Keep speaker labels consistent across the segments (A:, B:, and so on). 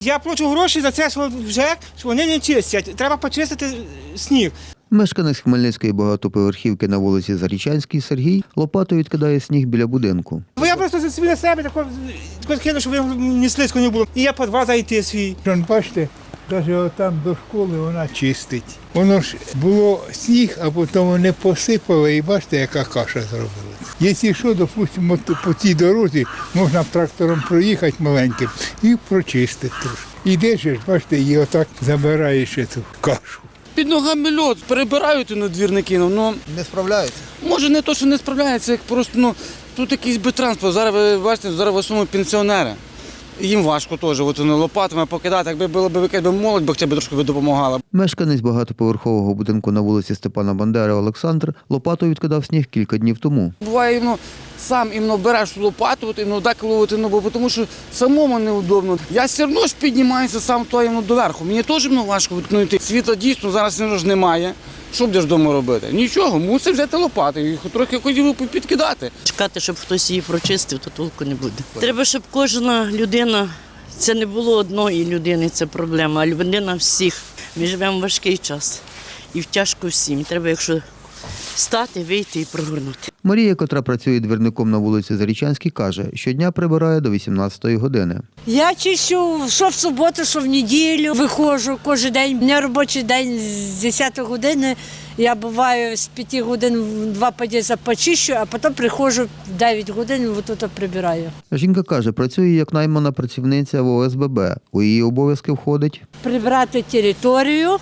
A: Я плачу гроші за це, що вони не чистять. Треба почистити сніг.
B: Мешканець Хмельницької багатоповерхівки на вулиці Зарічанській Сергій лопатою відкидає сніг біля будинку.
A: Бо я просто собі на себе тако кинув, щоб ні слизько не було. І я по 2 зайти свій.
C: Бачите, навіть там до школи вона чистить. Воно ж було сніг, а потім вони посипали і бачите, яка каша зробила. Якщо що, допустимо, по цій дорозі можна трактором проїхати маленьким і прочистити трошки. Ідеш, бачите, і отак забираєш цю кашу.
D: Під ногами льод, перебирають двірники, ну
B: Не справляються?
D: може не то, що не справляються, як просто тут якийсь би транспорт. Зараз ви бачите, зараз в основному пенсіонери. Їм важко теж лопатами покидати, якби була б якась молодь, бо хоча б трошки допомагала.
B: Мешканець багатоповерхового будинку на вулиці Степана Бандери Олександр лопатою відкидав сніг кілька днів тому.
D: Буває, сам береш лопату, деколи, бо тому що самому неудобно. Я все одно ж піднімаюся сам доверху. Мені теж важко йти. Світла дійсно зараз немає. Що будеш вдома робити? Нічого, мусиш взяти лопату і трохи хотів підкидати.
E: Чекати, щоб хтось її прочистив, то толку не буде. Треба, щоб кожна людина, це не було одної людини, це проблема, а людина всіх. Ми живемо в важкий час і тяжко всім. Треба, якщо стати, вийти і прогорнути.
B: Марія, котра працює двірником на вулиці Зарічанській, каже, щодня прибирає до 18-ї години.
F: Я чищу, що в суботу, що в неділю. Виходжу кожен день. У мене робочий день з 10 години. Я буваю з 5 годин в 2 під'їзди почищу, а потім приходжу в 9 годин і тут прибираю.
B: Жінка каже, працює як наймана працівниця в ОСББ. У її обов'язки входить
F: Прибрати територію,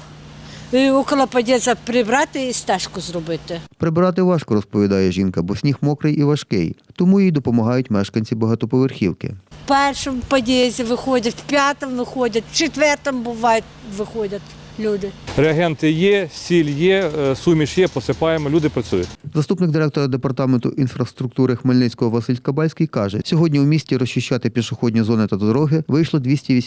F: около під'їзду прибрати і стежку зробити.
B: прибирати важко, розповідає жінка, бо сніг мокрий і важкий. Тому їй допомагають мешканці багатоповерхівки.
F: В першому під'їзді виходять, в 5-му виходять, в 4-му буває виходять люди.
G: Реагенти є, сіль є, суміш є, посипаємо, люди працюють.
B: Заступник директора департаменту інфраструктури Хмельницького Василь Кабальський каже, сьогодні у місті розчищати пішохідні зони та дороги вийшло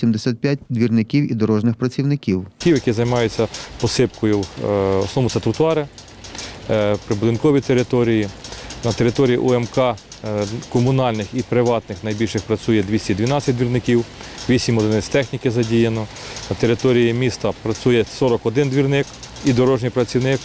B: 285 двірників і дорожніх працівників.
G: Ті, які займаються посипкою, в основному це тротуари, прибудинкові території. На території УМК комунальних і приватних найбільших працює 212 двірників, 8 одиниць техніки задіяно. На території міста працює 41 двірник і дорожній працівник.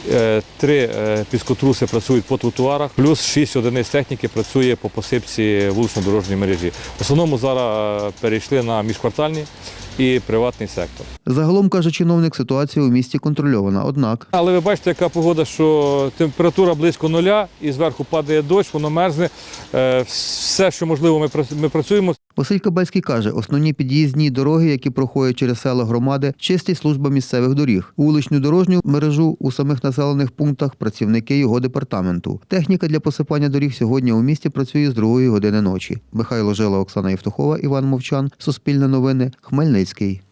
G: 3 піскотруси працюють по тротуарах, плюс 6 одиниць техніки працює по посипці вулично-дорожньої мережі. В основному зараз перейшли на міжквартальні і приватний сектор.
B: Загалом, каже чиновник, ситуація у місті контрольована, однак.
G: Але ви бачите, яка погода, що температура близько 0 і зверху падає дощ, воно мерзне. Все, що можливо, ми працюємо.
B: Василь Кабальський каже, основні під'їзні дороги, які проходять через села громади, чистить служба місцевих доріг. Вуличну дорожню мережу у самих населених пунктах працівники його департаменту. Техніка для посипання доріг сьогодні у місті працює з 2 години ночі. Михайло Жила, Оксана Євтухова, Іван Мовчан. Суспільне новини. Хмельницький.